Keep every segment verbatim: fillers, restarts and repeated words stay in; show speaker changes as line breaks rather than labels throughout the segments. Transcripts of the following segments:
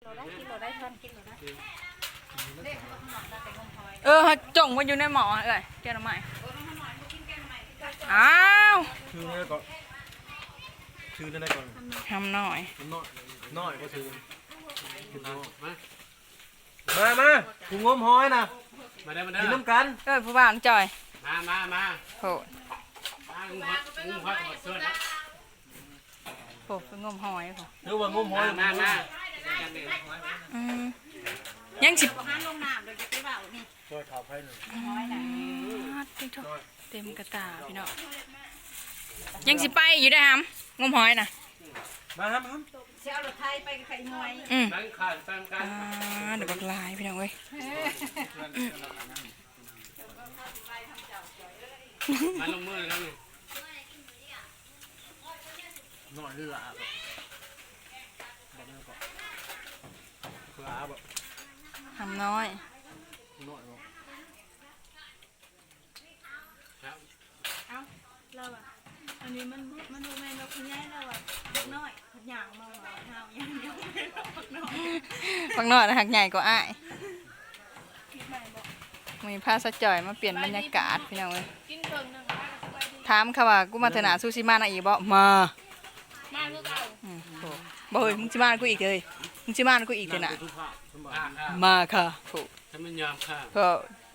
เออจงมันอยู่ในหมอเอ้ยแกน้ำใหม่อ้าว
ชื่อนั่นก่อนชื่อนั่นก่อน
ทำหน่อย
น้อยน้อยก็ชื่อมามาถุงงมหอยนะมาได้มาได้กินน้ำกัน
เออผู้บ่าวจอย
มามามา
โห
มาลุงพัดลุงพัดหมดเสื้อนะ
โหเป็นงมหอยโห
หรือว่างมหอย
มามา
อืมยังสิ
ช่วยข่าวให้หน่อย
เต็มกระตาพี่น้องยังสิไปอยู่ได้อฮัมงมหอยน่ะ
มาครับครับ
อืม
ตั้งขาดตั้งกั
อ่าน เดี๋ยวบักลายพี่น้องเว้ย
มาลงมือแล้วนี่
หน่อยหรือลาบแบบนี้ก่อนลาบแบบ
ทำน้อย
หน่อยบอก
ครับ
เราอ่ะอันนี้มันมันดูแม่เราคุณยายเราอ่ะเด็กน้อยหยางมาว่าเฮาอย่างเดียวเด็กน้อย
ฟังน้อยนะหักใหญ่กว่าอ้าย
คิดใหม่บอก
มีผ้าสะจ่อยมาเปลี่ยนบรรยากาศพี่น้องเว้ย
กินเพิ่งหนึ่งป้าก็สบายดี
ถามเขาว่ากูมาเถอะนาซูชิมานะอีบ่มา
มาคือเก่า
อืมโหบ่เฮ้ยมึงสิมากูอีกเลยมึงสิมากูอีกเถอะนะ
ทุกภาพสมบั
อ่า
ติ
อ่า
มาค่ะโห
ถ้ามันยอมค่ะ
ก็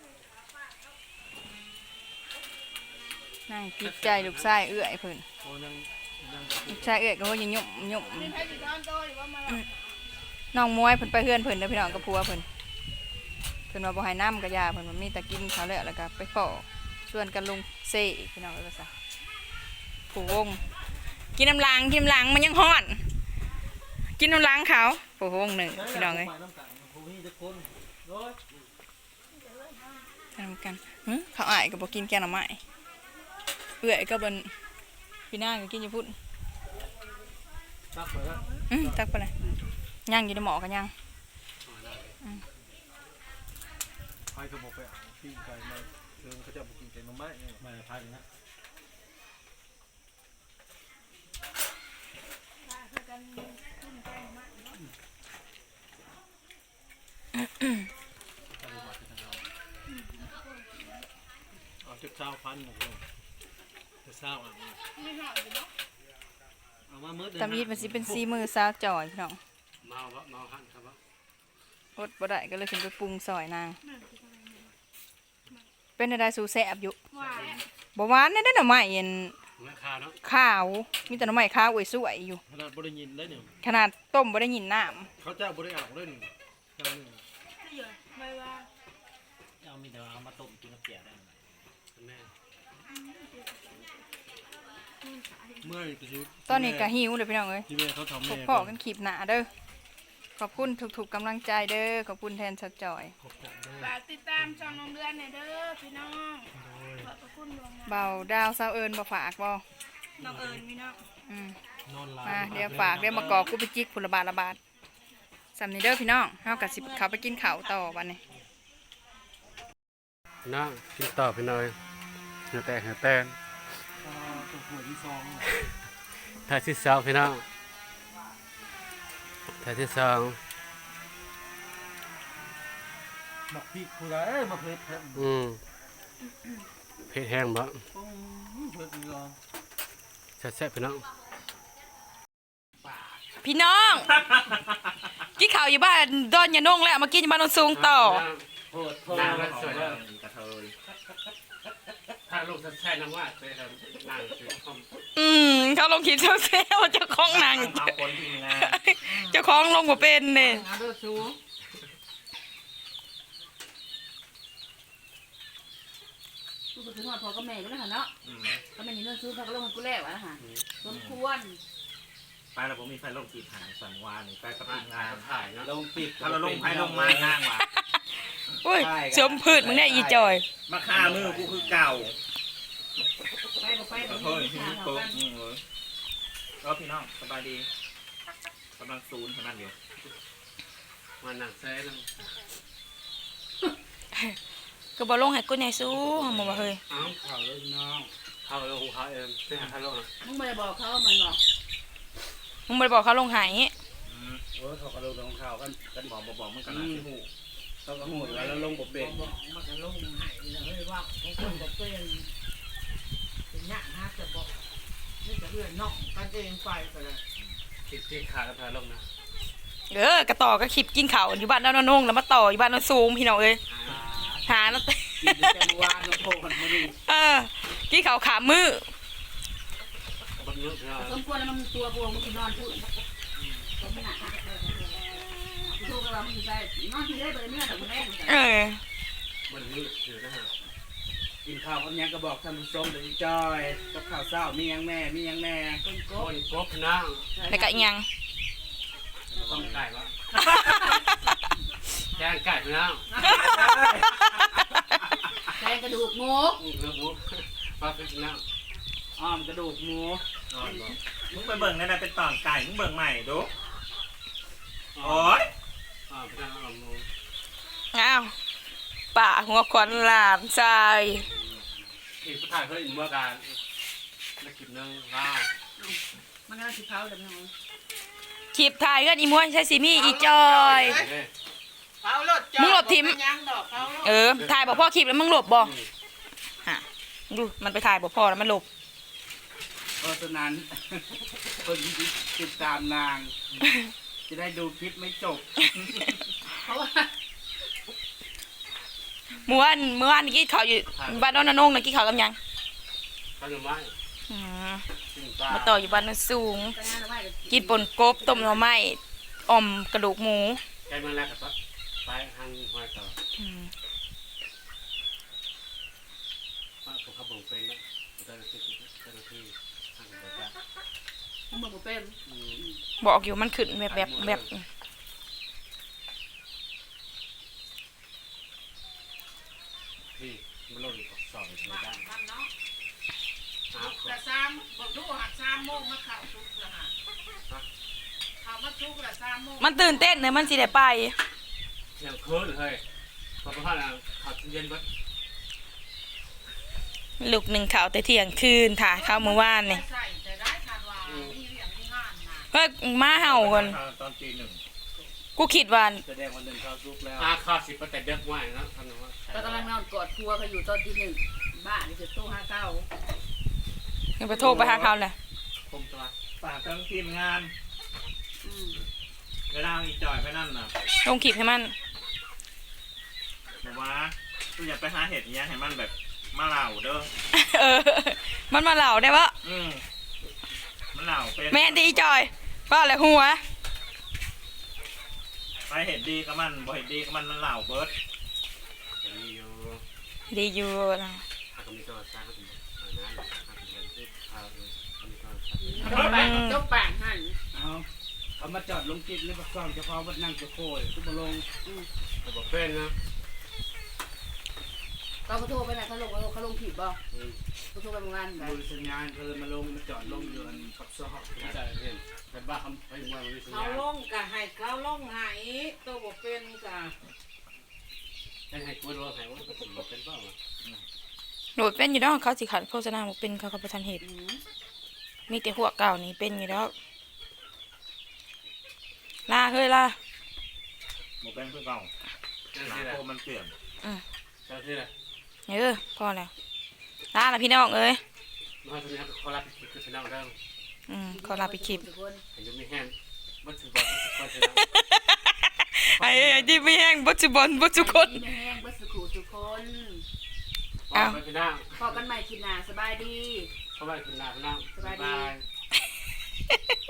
นั่งคิดใจลูกชายเอื้อยเพิ่น
โอ้ยังยัง
ลูกชายเอื้อยก็โหยังยุ่มยุ่ม
นี่ให้สิทอนโตหรือว่ามาหลับ
น้องมวยเพิ่นไปเฮือนเพิ่นเด้อพี่น้องกับผัวเพิ่นเพิ่นว่าบ่ให้น้ำกะยาเพิ่นว่ามีแต่กินเขาวแล้วแล้วก็ไปขอชวนกันลงเซ่อีกพี่น้องเอ้ยว่าซะผู้วงกินน้ำล้างกินน้ำล้างมันยังฮ้อน กินน้ำล้างเขาผู้วงหนึ่งพี่น้องเอ้ย
ไปน้ำกันผู้นี้จะคนโอ้ย
ทำกันหึเขาอ้ายก็บ่กินแกงหน่อไม้เอื้อยก็เบิ่นพี่นางก็กินอยู่พุ่น
ตักไปแล้ว
อือตักไปเลยย่างอยู่ในหม้อกันย่าง
ใครก็บอกไปเอาปิ้งไก่มาเชิญเขาจะบอกกินไก่น้ำไม้เนี่ยมาพายนะ เอาเจ็บเช้าพันหมดเลยจะเช้าอ่ะเอามาเมื่อเดือน
ตำยีดมันสิเป็นซีมือซาวจ่อยพี่น้อง
เมาเมาหันครับ
อดบ่ได้ก็เลยขึ้นไปปรุงซอยนางเป็นอะไรสูแซ่บอยู่
ว่า
บ่หวานได้ได้หน่อไม้เย็น
ไม่ขาดเนาะ
ขาวมีแต่หน่อไม้ขาวสวยๆอยู่
ขนาดบริยินได้เนี่ย
ขนาดต้มบ่ได้ยินน้ำ
เขาเจ้าบริอ่างได้หนึ่งจำหนึ่ง
เยอะไม่ว่า
เอามีแต่เอามาต้มกินกับแกได้
แม่
เมื่อจะชุด
ตอนนี้ก็หิวเลยพี่น้องเอ้ย
ที่แม่เขาทำ
พ
แม่
บพ่อกันคลิปหน้าเด้อขอบคุณทุกๆกำลังใจเด้อขอบคุณแทนชัดจ่อย
ฝากติดตามช่องน้องเดือนหน่อยเด้อพี่น้องขอบพระคุณดวงนะ
เบาดาวซาวเอิญบ่ฝากบ่
น้องเอิญพี่น้อง
อืม
นอนหลับ
มาเดี๋ยวฝากเดี๋ยวมากอกกูไปจิกผลบาทละบาทสำนี้เด้อพี่น้องเฮากับสิเขาไปกินข้าวต่อบัดนี้
น้องกินต่อไปหน่อยเหือแตกเหือแตน
ตัวหัวที่ซอง
ถ่ายที่สองพี่น้องถ่ายที่สอง
หมักพริกผู้ใดมาเผ็ดแท้
อืมเผ็ดแห้งบ่
เผ็ดอีกแล้ว
แซ่บๆพี่น้อง
พี่น้องกินข้าวอยู่บ้านดอนยานงแล้วมากินอยู่บ้านโนนสูงต่อ
โคตรโคต
นาง
ร
ก็สวยแล้วกระเทยถ้าลูกจะใช่น้ำว่าไปทำนางสวยคอม
อืมเขาลงคิดเซลล์เจ้าของนาง
เอาคนจริงนะ
เจ้าของลงบ่เป็นเนี่ย
กูไปถึงว่าพอกับแม่ก็แล้วค่ะเนาะก็แม่นี่เรื่องซื้อเขาก็ลงให้กูแล้วอะนะคะสมควร
ไปแล้วผมมีไฟลงจีบหางสันวานี่ไปกับ
ถ่า
ที
ย
มงาน
ถ่ายเนาะ
ลงปิดถ้าเราลงไฟลงมาห้างว่ะ
อุ้ยสมพืชมึงได้อีจอย
มาฆ่ามือกูคือเก่า
ไปบ่ไปบ่
เฮ้ย
มี
พี่
ทาง
โป๊
เขา
ก
กัน
อืมเลยก็พี่น้องสบายดีกำลังซูนเท่านั้นอยู่
มาหนังแซ่น้
ก็บ่ลงให้กูใหญ่สู้เฮาบ่ว่าเฮ้ย
ำอ้าวข่าวเลยน้องข่าวเลยของเขาเองเป็นข่าวลง
มึงไม่ได้บอกเขามันบอก
มึงบ่ได้บอกเขาลงให้
อืม
โอ้เขากระโดดของเขากันกันบอกบอกมันกัน
อื
นะ
มหู
เขาก็หูแล้วแล้วลงบ่เป็น
บอกมันก็ลงให้เลยว่าของคนก็เป็นเป็นหน้าฮะจะบอกนี่จะเรื่อยน่องกันเองไปไปเลย
ติดที่ขาแล้วพาลงนะ
เออกระต่อก็คลิปกินข้าวอยู่บ้านน้านงแล้วมาต่ออยู่บ้านน้าซูมพี่น้องเอ้ยหาแล้ว
กินแต่เมื่อวานน้องโทษมันนี่
เออกินข้าวขามือ
บันนึกนะ
สมควรแล้วมันตัวบวมมันนอนพูดสมหนักตัวกระเรามันอยู่ใจนอนที่ได้เบอร์เนื้อแต่มันแรก
เออ
บันนึกถือนะฮะ
กินข้าวกับยังก็บอกท่านผู้ชมเดี๋ยวจอยกับข้าวเช้ามียังแม่มียังแม่
เป็นก็
โอ้ยกบนะ
แล้วก็อีกอยัง
ต้องไก่วะแกงไก่นะ
แทงกระดูกหมู
เนื้อหมูปลาเป็นนะ
อ้อมกระดูกหมู
นอนบ่
มึงไปเบิ่งนั่นน่ะเป็นตอนไก่มึงเบิ่งใหม่ดูโอ้ย
อ่าเป็นน้ำหมู
อ้าวป่าหัวขวัญหลานชาย
ที่ผู้ถ่ายเขาอินเมื่อการนักกินเนื้อว้าว
มันก็สิเผาเลยพี่น้อง
คลิปถ่ายกันอีม้วนใช้ซีมี่อีจอย
เขารถจอด
มึงหลบทิม
ยังดอกเขารถ
เออถ่ายบอกพ่อคลิปแล้วมึงหลบบ่ฮะดูมันไปถ่ายบอกพ่อแล้วมันหลบ
เพราะฉะนั้น คนที่ติดตามนาง จะได้ดูคลิปไม่จบ
เพราะว่า
เมื่อวานเมื่อวานนี่กินข้าวอยู่บ้านน้องนานงนะกินข้าวกับหยัง
ข้าวหน่อไม้
อืม
กินปลา
มาต่ออยู่บ้านโนนสูง
การงานเราไม่
กินป่นกบต้มหน่อไม้อ่อมกระดูกหมู
แกงมันแรกกับปะไปหั่นหอยต่อ
อืม
ว่าผมขับบ่งเป็นนะเจ้าหน้าที่เจ้าหน้าที่หั่นแบบว่า
มันเหมือนหมูเป็น
อืม
บอกอยู่มันขึ้นแบบแบบแบบ
พี่มันลงอยู่สอบเลยได้
มันเนาะ
อ้าว
แต่สามบอกดูหักสามโมงมาเข่าชุกละฮะเขามาชุกละสามโมง
มันตื่นเต้นเนี่ยมันสิได้ไป
ยังคืนเลยพอพอแล้วขับเย็นบัด
ลูกหนึ่งข่าวแต่เที่ยงคืนถ่ายข้าวเมื่อวานนี่
ใส่แต่ได้คาดว่ามีเรื่องมีงานนะ
เฮ้ยมาเห่าก่อน
ตอนตีหนึ่ง
กูคิดว่า
แสดงวันหนึ่งเข้าซุกแล้ว
อาข้าวสิบแต่เด็กว่านะท่านว่า
ก็กำลังนอนกอดครัวเขาอยู่ตอนที่หนึ่งบ้านนี่คือตู้ห้าเก้า
ยังไปโทรไปหาเขาเลย
คมตัว
ฝากทั้งทีมงาน
อืม
เวลาอีจอยไปนั่นน่ะ
ลงคลิปให้มัน
บอกว่ากูอยากไปหาเห็ดเนี้ยให้มันแบบมาเหล่าเด้อ
เออ มันมาเหล่าได้ปะ
อืมมันเหล่าเป็น
แม่นดีจอยว่าอะไรหัว
ไปเห็ดดีกับมันบ่เห็ดดีกับมันมันเหล่าเบิร์ด
อย่างนี้อยู่
ดีอยู่นะ
ถ้าก็มีตัวสร้างก็ถึงงานถ้าเป็นที่ข้าวมีตัว
จบปากจบปากหัน
เอาเอามาจอดลงคลิปแล้วก็ซ่อนเฉพาะวัดนั่งจะโคยทุกมาลง
แต่บอกเป็นนะ
เขาโทรไปไหนเขาลงเขาลงผิดบ่เขาโทรไปเมื่อวานไหน
บริษัทงานเขาเลยมาลงมาจอดลงอยู่อันปักซอก
จะเห็นเป็นบ้าคำไปมวยมันมีสัญ
เขา
ญาณ
ลงกะให้เขาลงให้ตัวบอกเป็นกะ
ให้ให้กูรู้ให้ว่าเป็นบอกเป็นบ้า
หนูเป็นอยู่แล้วเขาสิขัดโฆษณาบอกเป็นเขากับประธานเหตุมีแต่หัวเก่านี่เป็นอยู่แล้วลาเฮ้ยลา
หมูเป็นเพื่อนเก่า
เจ้า
หนา
ที่ไหน
โคมันเปลี่ยน
เจ้าที่ไหน
เออพอแล้วลาละพี่น้องเอ้ย
น้อยคนนี้เขารับผิดคือชนะเรื่อง
อืมขอลาไปคลิป
ทุกคน
เห็นจะมีแห้งมันถือว่าคนชนะ
ไอ้ไอ้ที่ไม่แห้งบัจจุบันบัจจุคน
แห้งบัสกูทุกคน
อ้าวไม่เป็นหน้า
พอกันใหม่ทีหน้าสบายดี
เพราะว่าเป็นหน้าเป็นหน้า
สบายดี
บาย